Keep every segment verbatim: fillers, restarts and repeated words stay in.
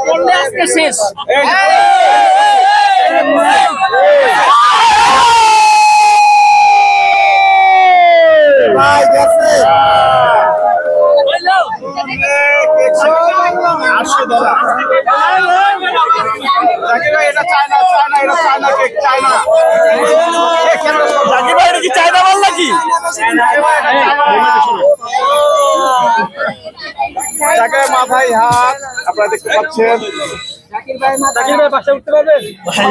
করলে আজকে শেষ। ভাই গেছে আটশো ডলার জাকির ভাই, এটা চায়না চায়না এটা চায়না কেক চায়না। জাকির ভাই, এটা কি চায়না মাল নাকি? জাকির মাথায় হাত আপনারা দেখতে পাচ্ছেন। জাকির ভাই পাশে উঠতে পারবেন?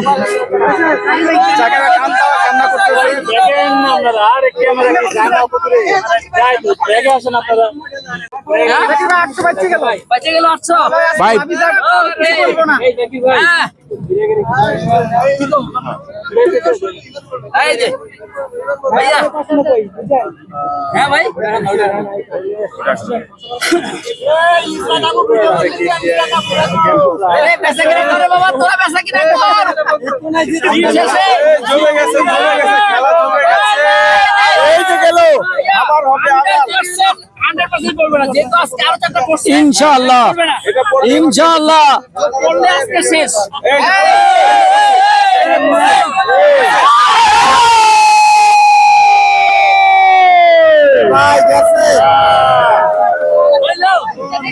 জাকির ভাই কান্না কান্না করতেছেন। দেখেন আপনারা আর ক্যামেরা কি জানা উপরে যাই তো দেখে আসেন আপনারা। জাকির ভাই আটশো বাঁচে গেল, বাঁচে গেল আটশো ভাই। বলবো না। এই জাকির ভাই, এই যে ভাইয়া, হ্যাঁ ভাই, এই পেশা কিনা করে বাবা, তোরা পেশা কিনা কর। শেষে জমে গেছে জমে গেছে খেলা জমে গেছে। এই যে গেল আবার হবে আবার হান্ড্রেড পার্সেন্ট করবে না, যেহেতু আজকে আরো চারটা করছে। ইনশাআল্লাহ এটা পড়বে ইনশাআল্লাহ করলে আজকে শেষ। এই ভাই গেছে হইলো?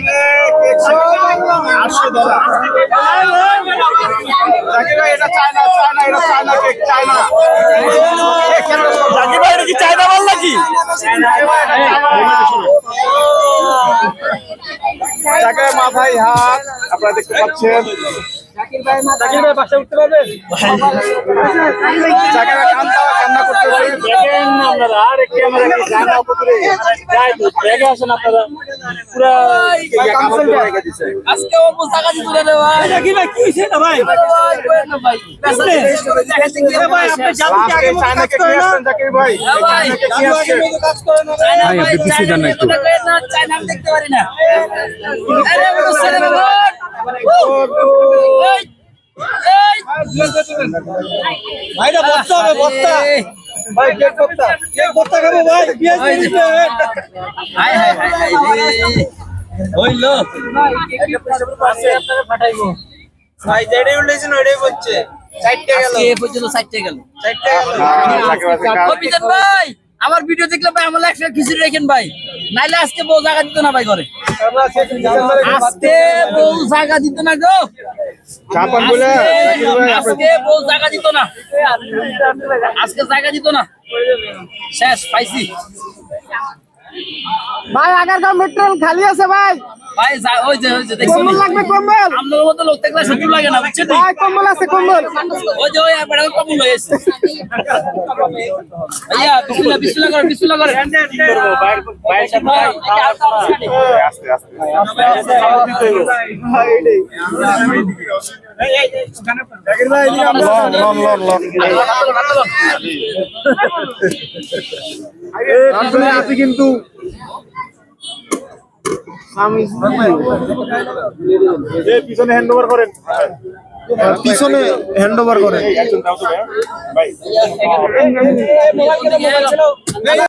আটশো ডলার জাকির ভাই, এটা চায়না চায়না এটা চায়না কেক চায়না। জাকির ভাই, এটা কি চায়না মাল নাকি? জাকির মাথায় হাত আপনারা দেখতে পাচ্ছেন। জাকির ভাই পাশে উঠতে পারবেন? জাকির ভাই কান্না কান্না করতেছেন। দেখেন আপনারা আর ক্যামেরা কি জানা উপরে যাই তো দেখে আসেন আপনারা। পুরা কামসল জায়গা দিছে। আজকে ও পুস্তকা দিতে রে ভাই। জাকির ভাই কি হইছে না ভাই? ভাই ভাই পেশা ভাই আপনি জানেন কি আগে চায়না কেক নিয়ে আসছেন জাকির ভাই? এই চায়না কেক নিয়ে আসছেন। চায়না ভাই, চায়না দেখতে পারি না, চায়না আমি দেখতে পারি না। আরে বড় ছেলে বাবা, এই এই ভাইরা বস্তা হবে বস্তা। ভাই কেক বস্তা কেক বস্তা খাবো ভাই। পেঁয়াজ দিয়ে দিবেন। হাই হাই হাই হাই হইলো ভাই, কেক পাশে আপনারা ফাটাইবো। ভাই যেটাই উঠেছেন ওইটাই বলছে। চারটে গেল আজকে এ পর্যন্ত চারটে গেল। চারটে গেল। ও বিজন ভাই, আমার ভিডিও দেখলে ভাই আমার একশো খিচুড়ি রাখেন ভাই, নাইলে আজকে বউ জায়গা দিত না ভাই ঘরে। আজকে বউ জায়গা দিত না গো, চাপান বলে জাকির ভাই আজকে বউ জায়গা দিত না, আজকে জায়গা দিত না। শেষ পাইছি ভাই আগারগাঁও মেট্রো খালি আছে ভাই। ভাই, যা- ওই যে ওই যে দেখছেন, কম্বল লাগবে কম্বল আপনার মতো লোক থাকলে সহ্য লাগে না, বুঝছেন? ভাই কম্বল আছে কম্বল ওই যে ওই একবার কবুল হয়েছে। ভাইয়া বিসমিল্লাহ বিসমিল্লাহ করেন, বিসমিল্লাহ করেন। কি করব ভাই ভাইয়ের সাথে ভাই, এটা আস্তে আস্তে আনি। আস্তে আস্তে ভাই এইটাই জাকির ভাই এদিকে আমরা লন লন লন আসলে আছে কিন্তু আমি এই পিছনে হ্যান্ড ওভার করেন, পিছনে হ্যান্ড ওভার করেন। ভাই